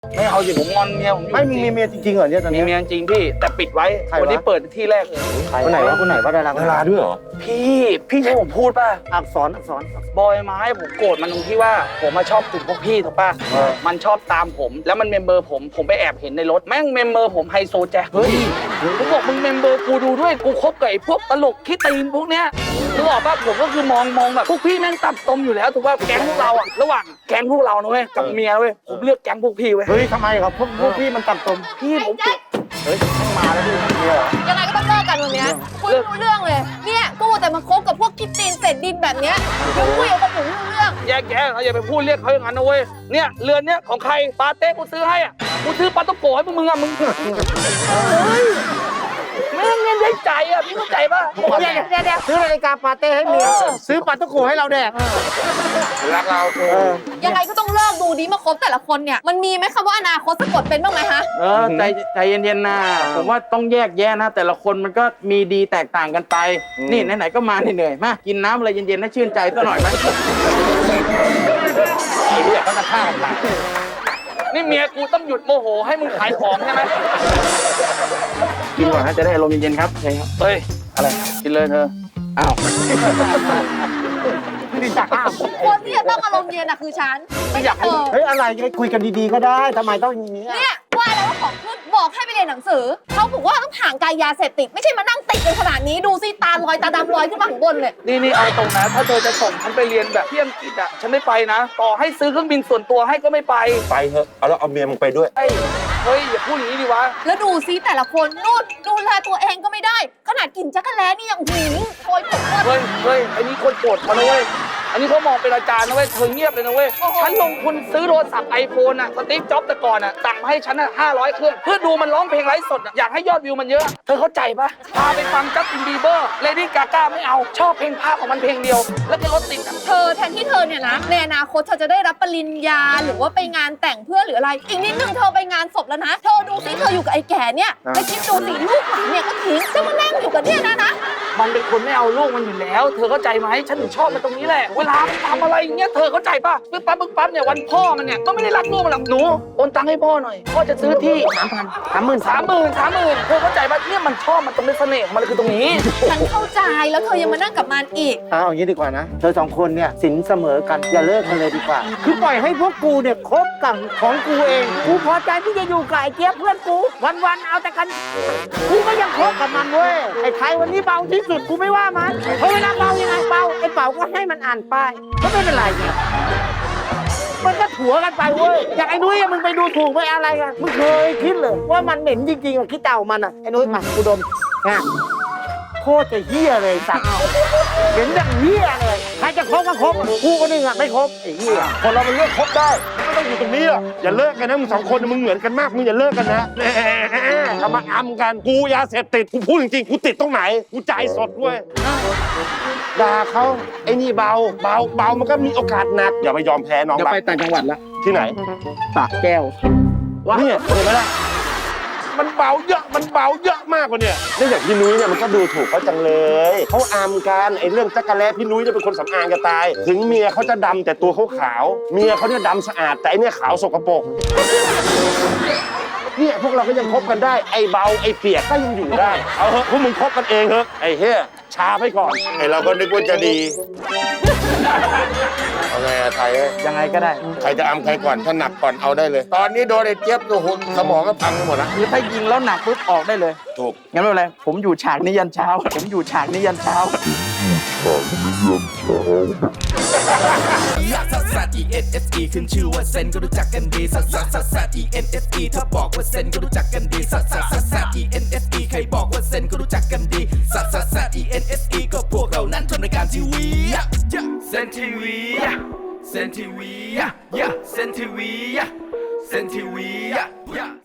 ไม่เอาสิผมงอนเมียผมไม่มีเมียจริงๆเหรอเนี่ยตอนมีนี้เมียจริงพี่แต่ปิดไว้วันนี้เปิดที่แรกเลยคนไหนวะดาราด้วยเหรอพี่ใช่ผมพูดป่ะอักษรบอยไม้ผมโกรธมันตรงที่ว่าผมมาชอบกลุ่มพวกพี่ถูกป่ะมันชอบตามผมแล้วมันเมมเบอร์ผมไปแอบเห็นในรถแม่งเมมเบอร์ผมไฮโซแจ็คเฮ้ยกูบอกมึงเมมเบอร์กูดูด้วยกูคบกับไอ้พวกตลกขี้ตีนพวกเนี้ยนึกออกป่ะผมก็คือมองแบบพวกพี่แม่งตับตมอยู่แล้วถูกป่ะแก๊งพวกเราอะระหว่างแก๊งพวกเรานะเว้ยกับเมียเว้ยผมเลือกแก๊งพวกพี่เว้ยเฮ้ยทำไมครับพวกพี่มันต่ำตมพี่ผมเฮ้ยมาแล้วพี่เนี่ยยังไงก็ต้องเลิกกันวันนี้คุยไม่รู้เรื่องเลยเนี่ยกูแต่มาคบกับพวกกินตีนเศษดินแบบเนี้ยยังคุยกับผมไม่รู้เรื่องแยกแยะเขาอย่าไปพูดเรียกเขาอย่างนั้นนะเว้ยเนี่ยเรือนเนี้ยของใครปาเต้กูซื้อให้อ่ะกูซื้อปาต้องโกะให้มึงอ่ะมึงแม่งเงินได้ใจอ่ะพี่เข้าใจป่ะเดี๋ยวซื้อนาฬิกาปาเต้ให้เมียซื้อปาตะโกให้เราแดกรักเรายังไงก็ต้องเลิกดูดีมาคบแต่ละคนเนี่ยมันมีไหมคำว่าอนาคตสะกดเป็นบ้างไหมฮะใจเย็นๆนะผมว่าต้องแยกแยะนะแต่ละคนมันก็มีดีแตกต่างกันไปนี่ไหนๆก็มาเหนื่อยมากินน้ำอะไรเย็นๆให้ชื่นใจซะหน่อยไหมไอ้เหี้ยเขาจะฆ่ากันตายนี่เมียกูต้องหยุดโมโหให้มึงขายของใช่ไหมกินก่อนนะจะได้อารมณ์เย็นๆครับใช่ครับเฮ้ยอะไรกินเลยเธออ้าวไม่ได้จักอ้าวคนที่จะต้องอารมณ์เย็นอะคือฉันไม่อยากให้เฮ้ยอะไรคุยกันดีๆก็ได้ทำไมต้องอย่างนี้เนี่ยว่าแล้วว่าของขึ้นบอกให้ไปเรียนหนังสือเขาบอกว่าต้องห่างไกลยาเสพติดไม่ใช่มานั่งติดกันขนาดนี้ดูสิตาลอยตาดำลอยขึ้นมาข้างบนเลยนี่เอาตรงนะถ้าเธอจะส่งฉันไปเรียนแบบที่อังกฤษอ่ะฉันไม่ไปนะต่อให้ซื้อเครื่องบินส่วนตัวให้ก็ไม่ไปเถอะเอาแล้วเอาเมียมึงไปด้วยเฮ้ยอย่าพูดอย่างนี้ดิวะแล้วดูซิแต่ละคนนู่นดูแลตัวเองก็ไม่ได้ขนาดกินจักรแล้นี่ยังหืมโอยปวดเฮ้ยอันนี้คนโกรธเขานะเว้ยอันนี้เขามองเป็นอาจารย์นะเว้ยเธอเงียบเลยนะเว้ยฉันลงทุนซื้อโทรศัพท์ไอโฟนอ่ะสตีฟจ็อบส์แต่ก่อนอ่ะสั่งมาให้ฉันอ่ะ500 เครื่องเพื่อดูมันร้องเพลงไลฟ์สดอยากให้ยอดวิวมันเยอะเธอเข้าใจปะพาไปฟังจัสตินบีเบอร์เลดี้กาก้าไม่เอาชอบเพลงภาพของมันเพลงเดียวแล้วก็รถติดเธอแทนที่เธอเนี่ยนะในอนาคตเธอจะได้รับปริญญาหรือว่าไปงานแต่งเพื่อนหรืออะไรอีกนิดนึงเธอไปงานศพแล้วนะเธอดูสิเธออยู่กับไอ้แก่เนี่ยไปคิดดูสิลูกหลานเนี่ยก็ทิ้งจะมานั่งอยู่กับเนี่ยนะมันเป็นคนไม่เอาลูกมันอยู่แล้วเธอเข้าใจไหมฉันถึงชอบมันตรงนี้แหละเวลาทำอะไรอย่างเงี้ยเธอเข้าใจป่ะปึ๊บปั๊บเนี่ยวันพ่อมันเนี่ยก็ไม่ได้รักลูกมันหรอกหนูโอนตังค์ให้พ่อหน่อยพ่อจะซื้อที่30,000เธอเข้าใจป่ะเนี่ยมันชอบมันตรงนี้เสน่ห์ของมันคือตรงนี้ฉันเข้าใจแล้วเธอยังมานั่งกับมันอีกเอาอย่างนี้ดีกว่านะเธอ2 คนเนี่ยสินเสมอกันอย่าเลิกกันเลยดีกว่าคือปล่อยให้พวกกูเนี่ยคบกันของกูเองกูพอใจที่จะอยู่กับไอ้เจี๊ยบเพื่อนกูวันๆเอาแต่กันกูก็ยังคบกับมันเว้ยไอ้ไทยวันนี้เบาที่สุดกูไม่ว่ามันเพราะเวลาเบายังไงเบาไอ้เป่าก็ให้มันอ่านป้ายก็ไม่เป็นไรเนี่ยมันก็ถัวกันไปเว้ยอย่างไอ้นุ้ยมึงไปดูถูกไปอะไรกันมึงเคยคิดเลยว่ามันเหม็นจริงๆอ่ะขี้เต่ามันอ่ะไอ้นุ้ยมากูดมนะโคตรจะเหี้ยเลยสัตว์เห็นอย่างเหี้ยเลยใครจะคบก็คบกูก็นึงอ่ะไม่คบไอ้เหี้ยคนเรามันเลือกคบได้ไม่ต้องอยู่ตรงนี้อย่าเลิกกันนะมึง2 คนมึงเหมือนกันมากมึงอย่าเลิกกันนะทำมาอำกันกูยาเสพติดกูพูดจริงๆกูติดตรงไหนกูใจสดด้วยด่าเขาไอ้นี่เบามันก็มีโอกาสหนักอย่าไปยอมแพ้น้องไปต่างจังหวัดละที่ไหนปากแก้วเนี่ยเห็นไหมล่ะมันเบาเยอะมากกว่าเนี่ยเรื่องอย่างพี่นุ้ยเนี่ยมันก็ดูถูกเขาจังเลยเขาอามกันไอ้เรื่องจักรแล้พี่นุ้ยจะเป็นคนสำอางจะตายถึงเมียเขาจะดำแต่ตัวเขาขาวเมียเขาเนี่ยดำสะอาดแต่ไอ้เนี่ยขาวสกปรกเนี่ยพวกเราก็ยังคบกันได้ไอ้เบาไอ้เปียกก็ยังอยู่ได้เอาเถอะพวกมึงคบกันเองเถอะไอ้เฮ้ยช้าไปก่อนไอ้เราก็นึกว่าจะดีเอาไงอะไทยยังไงก็ได้ใครจะอำใครก่อนถ้าหนักก่อนเอาได้เลยตอนนี้โดนไอ้เจี๊ยบตัวหุ่นสมองก็พังไปหมดแล้วคือถ้ายิงแล้วหนักปุ๊บออกได้เลยถูกงั้นไม่เป็นไรผมอยู่ฉากนี้ยันเช้าซัด ENSE ขึ้นชื่อว่าเซนก็รู้จักกันดีซัด ENSE ถ้าบอกว่าเซนก็รู้จักกันดีซัด ENSE ใครบอกว่าเซนก็รู้จักกันดีซัด ENSE ก็พวกเรานั้นทำรายการทีวีเซนทีวีเซนทีวี